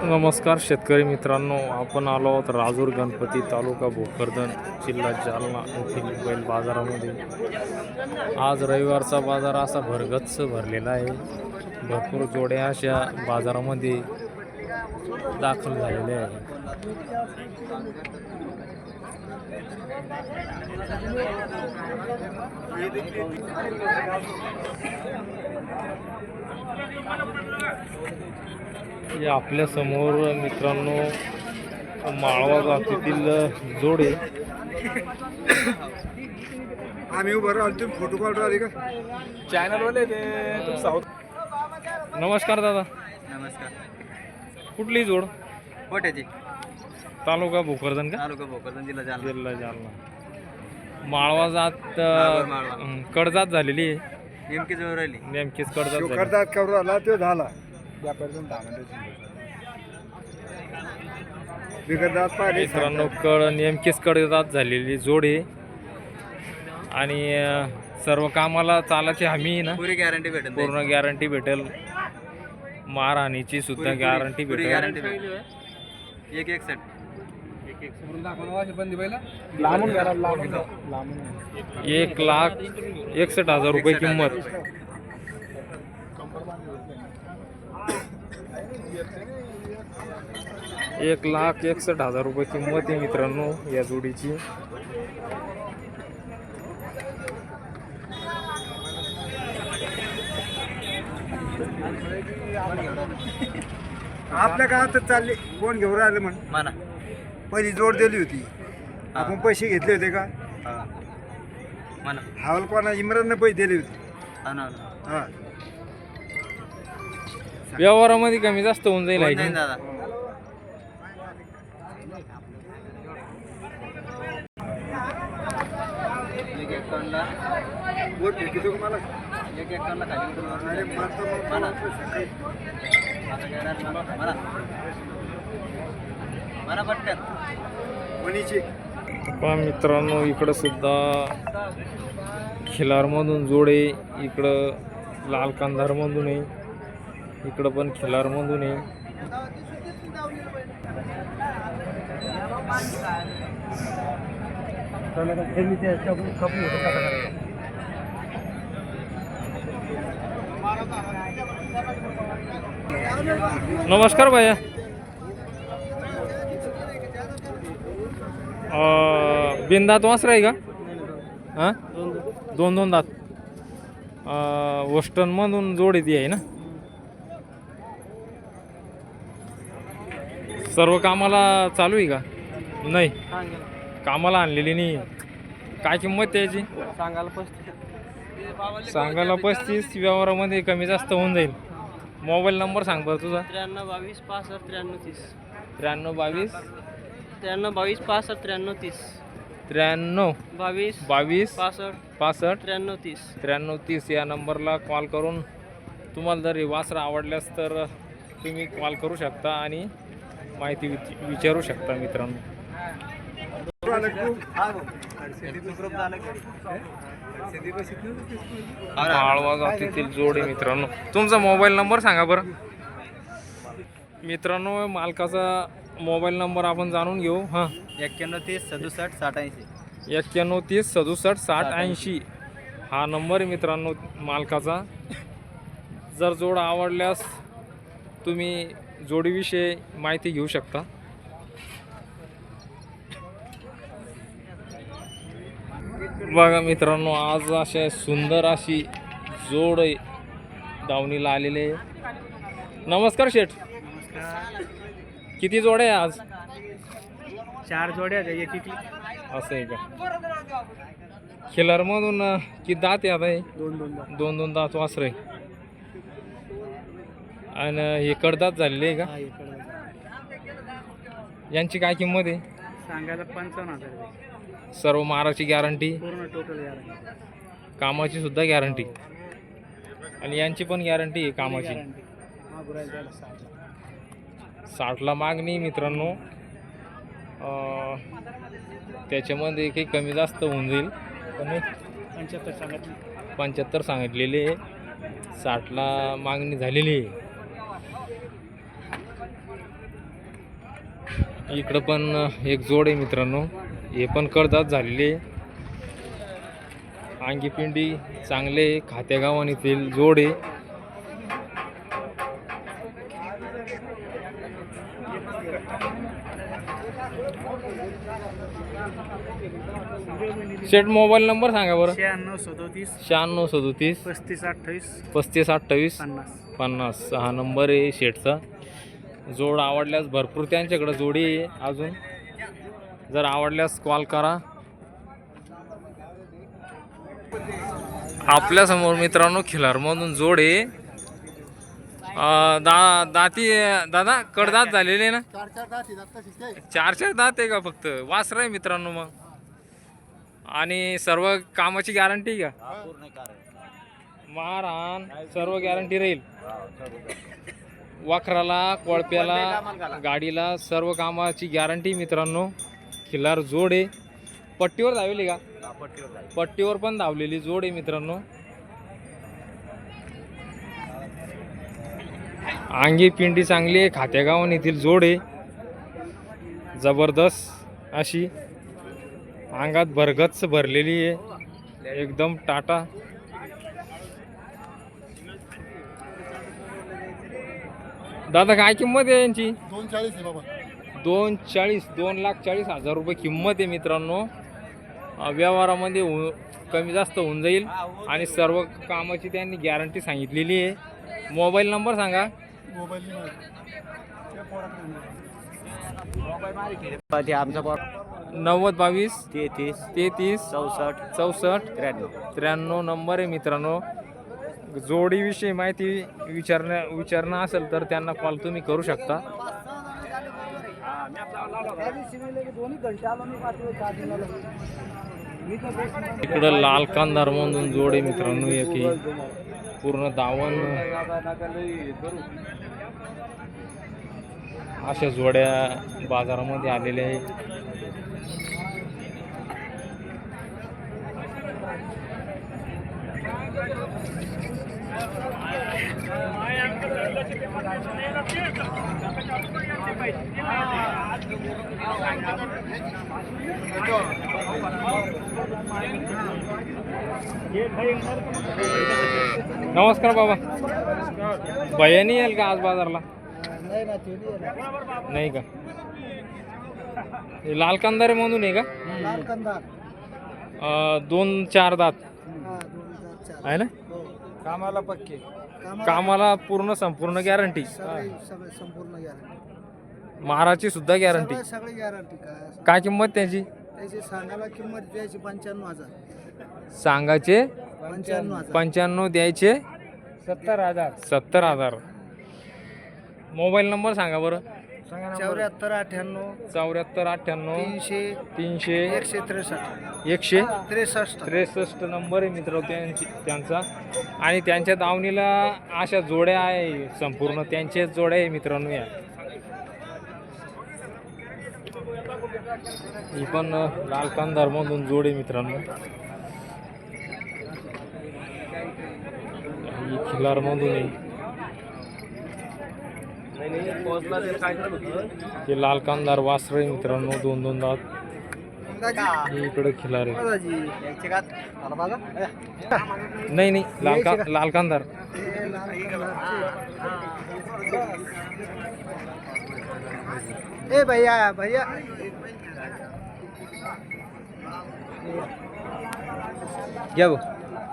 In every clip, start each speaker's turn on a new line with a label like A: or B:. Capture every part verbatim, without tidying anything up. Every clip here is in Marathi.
A: नमस्कार शेतकरी मित्रांनो, आपण आलो आहोत राजूर गणपती तालुका भोकरदन जिल्हा जालना येथील बैल बाजारामध्ये। आज रविवारचा बाजार असा भरगच्च भरलेला आहे। भरपूर जोड्या अशा बाजारामध्ये दाखल झालेल्या आहेत। या आपल्या समोर मित्रांनो माळवा जातीतील जोडे
B: आम्ही उभं राहिलो, तुम्ही फोटो काढून राहिले का?
A: चॅनल वाले ते तुम साऊथ। नमस्कार दादा।
C: नमस्कार।
A: कुठली जोड?
C: कोट्याची,
A: तालुका भोकरदन का?
C: तालुका भोकरदन, जिल्हा जालना।
A: जिल्हा जालना। माळवा जात
C: बरोबर, माळवा।
A: अं, कडजात झालेली आहे।
C: नेमकी जवळ राहिली।
A: नेमकीच कडजात
B: तो
A: झाली।
B: करतात करू आला तो झाला व्यापारी बिगरदात पाहिले
A: मित्रांनो कड नेमकीच कडजात झालेली जोड आहे आणि अं, सर्व कामाला चालाची हमी आहे ना,
C: पुरी गॅरंटी भेटेल।
A: पूर्ण गॅरंटी भेटेल। मारहाणीची सुद्धा गॅरंटी
C: पुरी
A: भेटेल।
C: गॅरंटी भेटेल। एक एक सेट
A: एक लाख एकसठ हजार रुपये किंमत। एक लाख एकसठ हजार रुपये किंमत आहे मित्रांनो या जोडीची।
B: आपल्या गावात चालले कोण घेऊन राहिले म्हण
C: म्हणा।
B: पहिली जोड दिली होती, आपण पैसे घेतले होते का?
C: हा म्हणा।
B: हावल कोणा इम्रानने पैसे दिले होते।
C: हा ना।
B: हा
A: व्यवहारामध्ये कमी जास्त होऊन जाईल आहे
C: नाही
A: की?
C: दादा। एक एकावन्नला
B: बोट भेटतो का मला?
C: एक एकावन्नला खाली उतरून
B: अरे मारतो मग
C: म्हणा।
B: सकाळी
C: आता घेणार म्हणा। म्हणा म्हणा पटकन।
B: मनीची
A: पहा मित्रांनो इकडं सुद्धा खिलारमधून जोडे, इकडं लाल कंधारमधून आहे, इकडं पण खिलारमधून आहे। नमस्कार भैया। अं, बिनदात वासरा आहे का? हां दोन दोन दात। वेस्टर्नमधून जोड येते आहे ना? सर्व कामाला चालू आहे का? नाही कामाला आणलेली नाही। काय किंमत त्याची?
C: सांगायला पस्तीस।
A: सांगायला पस्तीस, व्यवहारामध्ये कमी जास्त होऊन जाईल। मोबाईल नंबर सांग बरं तुझा।
C: त्र्याण्णव बावीस पासष्ट त्र्याण्णव तीस।
A: त्र्याण्णव बावीस
C: त्र्याण्णव बावीस पासष्ट त्र्याण्णव तीस।
A: त्र्याण्णव
C: बावीस
A: बावीस
C: पासष्ट
A: पासष्ट
C: त्र्याण्णव तीस।
A: त्र्याण्णव तीस या नंबरला कॉल करून तुम्हाला जर हे वासरं आवडल्यास तर तुम्ही कॉल करू शकता आणि माहिती विच विचारू शकता मित्रांनो। माळवा जातीतील जोडे मित्रांनो। तुमचा मोबाईल नंबर सांगा बरं मित्रांनो। मालकाचा मोबाईल नंबर आपण जाणून घेऊ। हां
C: एक्क्याण्णव तीस सदुसष्ट साठ ऐंशी।
A: एक्क्याण्णव तीस सदुसष्ट साठ ऐंशी हा नंबर आहे मित्रांनो मालकाचा। जर जोड आवडल्यास तुम्ही जोडीविषयी माहिती घेऊ शकता। बघा मित्रांनो आज अशा सुंदर अशी जोड दावणीला आलेले आहे। नमस्कार शेठ। किती जोड्या आहे आज?
C: चार जोड्या एक एक
A: असं आहे का? खिलारमधून किती दात आहे आता? हे
C: दोन दोन
A: दोन दोन दात वासर आहे आणि हे कडदात झालेले आहे का? यांची काय किंमत आहे?
C: सांगायला पंचावन्न हजार।
A: सर्व माराची गॅरंटी,
C: पूर्ण टोटल गॅरंटी,
A: कामाची सुद्धा गॅरंटी आणि यांची पण गॅरंटी आहे कामाची। साठला मागणी मित्रांनो, त्याच्यामध्ये काही कमी जास्त होऊन जाईल पण
C: पंच्याहत्तर सांगितले
A: पंच्याहत्तर सांगितलेले, साठला मागणी झालेली आहे। इकडं पण एक जोड आहे मित्रांनो, हे पण कडदात झालेले अंगीपिंडी चांगले खात्या गावानीतील जोड आहे. शेट मोबाईल नंबर सांगा बरं.
C: शहाण्णव सदोतीस
A: शहाण्णव सदोतीस
C: पस्तीस अठ्ठावीस
A: पस्तीस अठ्ठावीस
C: पन्नास.
A: पन्नास हा नंबर आहे शेटचा. जोड आवडल्यास भरपूर त्यांच्याकडे जोडी आहे अजून, जर आवडल्यास कॉल करा. आपल्यासमोर मित्रांनो खिलारमधून जोड आहे. अं, दा दाती दादा कडदात झालेले ना, चार चार दात आहे का फक्त? वासर आहे मित्रांनो मग, आणि सर्व कामाची गॅरंटी का? मारहाण सर्व गॅरंटी राहील. वाखराला कोळप्याला गाडीला सर्व कामाची गॅरंटी मित्रांनो. खिलार जोड आहे. पट्टीवर धावली का? पट्टीवर पण धावलेली जोड आहे मित्रांनो. अंगी पिंडी चांगली आहे, खात्या गावान येथील जोड आहे. जबरदस्त अशी अंगात भरगच्च भरलेली आहे, एकदम टाटा. दादा काय किंमत आहे यांची?
B: दोन चाळीस आहे बाबा.
A: दोन चाळीस दोन लाख चाळीस हजार रुपये किंमत आहे मित्रांनो. व्यवहारामध्ये हो कमी जास्त होऊन जाईल आणि सर्व कामाची त्यांनी गॅरंटी सांगितलेली आहे. मोबाईल नंबर सांगा.
B: मोबाईल
A: नव्वद बावीस
C: तेहतीस
A: तेहतीस
C: चौसष्ट
A: चौसष्ट
C: त्र्याण्णव.
A: त्र्याण्णव नंबर आहे मित्रांनो. जोडीविषयी माहिती विचारण्या विचारणं असेल तर त्यांना कॉल तुम्ही करू शकता. इकडं लाल कांदार म्हणून जोड आहे मित्रांनो. एक पूर्ण दावण अशा जोड्या बाजारामध्ये आलेल्या आहे. नमस्कार बाबा. भैया नाही येईल का आज बाजारला? नाही का? हे लाल कांदारे म्हणून आहे का? अं, दोन चार दात आहे ना?
B: कामाला पक्के.
A: कामाला पूर्ण संपूर्ण गॅरंटी.
B: संपूर्ण गॅरंटी.
A: महाराची सुद्धा गॅरंटी.
B: सगळी गॅरंटी. काय
A: काय किंमत त्याची?
B: त्याची सांगायला किंमत द्यायची पंच्याण्णव हजार.
A: सांगायचे
B: पंच्याण्णव हजार.
A: पंच्याण्णव द्यायचे
B: सत्तर हजार.
A: सत्तर हजार. मोबाईल नंबर सांगा बरं.
B: चौऱ्याहत्तर अठ्ठ्याण्णव
A: चौऱ्याहत्तर अठ्ठ्याण्णव
B: तीनशे
A: तीनशे
B: एकशे त्रेसष्ट
A: एकशे
B: त्रेसष्ट
A: त्रेसष्ट नंबर आहे मित्र त्यांची त्यांचा. आणि त्यांच्या दावणीला अशा जोड्या आहे संपूर्ण त्यांच्याच जोड्या आहे मित्रांनो. या ही पण लाल कांदार मधून जोड आहे मित्रांनो. ही खिलार मधून आहे. हे लाल कांदार वासर आहे मित्रांनो. दोन दोन दात. इकडे खिलार आहे. नाही नाही लाल का लाल कांदार.
B: ए भैया भैया
C: घ्या भाऊ.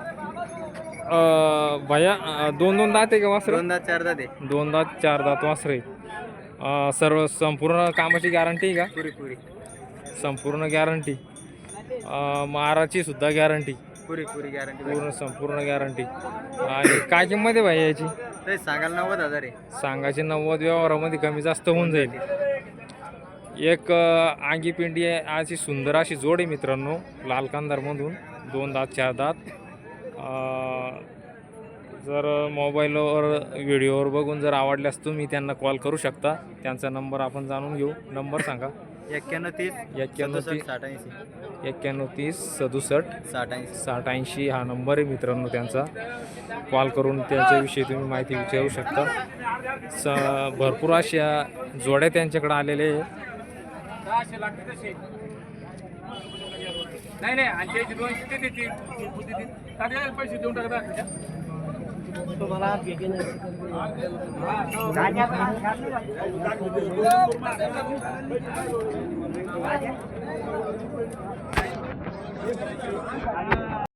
A: अं, भैया अं, दोन दोन दात आहे का वासर?
C: दोन दात चार दात आहे.
A: दोन दात चार दात वासर आहे. अं, सर्व संपूर्ण कामाची गॅरंटी आहे का?
C: पुरी पुरी
A: संपूर्ण गॅरंटी. माराची सुद्धा गॅरंटी.
C: पुरी पुरी गॅरंटी.
A: पूर्ण संपूर्ण गॅरंटी. आणि काय किंमत आहे भाई याची?
C: ते सांगायला नव्वद हजार आहे.
A: सांगायचे नव्वद. व्यवहारामध्ये कमी जास्त होऊन जाईल. एक आंगी पिंडी आहे अशी सुंदर अशी जोड आहे मित्रांनो. लाल कांदारमधून दोन दात चार दात. अं, जर मोबाईलवर व्हिडिओवर बघून जर आवडल्यास तुम्ही त्यांना कॉल करू शकता. त्यांचा नंबर आपण जाणून घेऊ. नंबर सांगा.
C: एक्क्याण्णव तीस
A: एक्क्याण्णव तीस
C: साठ ऐंशी
A: एक्क्याण्णव तीस सदुसष्ट
C: साठ ऐंशी
A: साठ ऐंशी हा नंबर आहे मित्रांनो त्यांचा. कॉल करून त्यांच्याविषयी तुम्ही माहिती विचारू शकता. स भरपूर अशा जोड्या त्यांच्याकडे आलेल्या आहे.
D: सहाशे लागते तसे नाही नाही आणि त्याची दोनशे ते देतील तात्याला पैसे देऊन टाकता तुम्हाला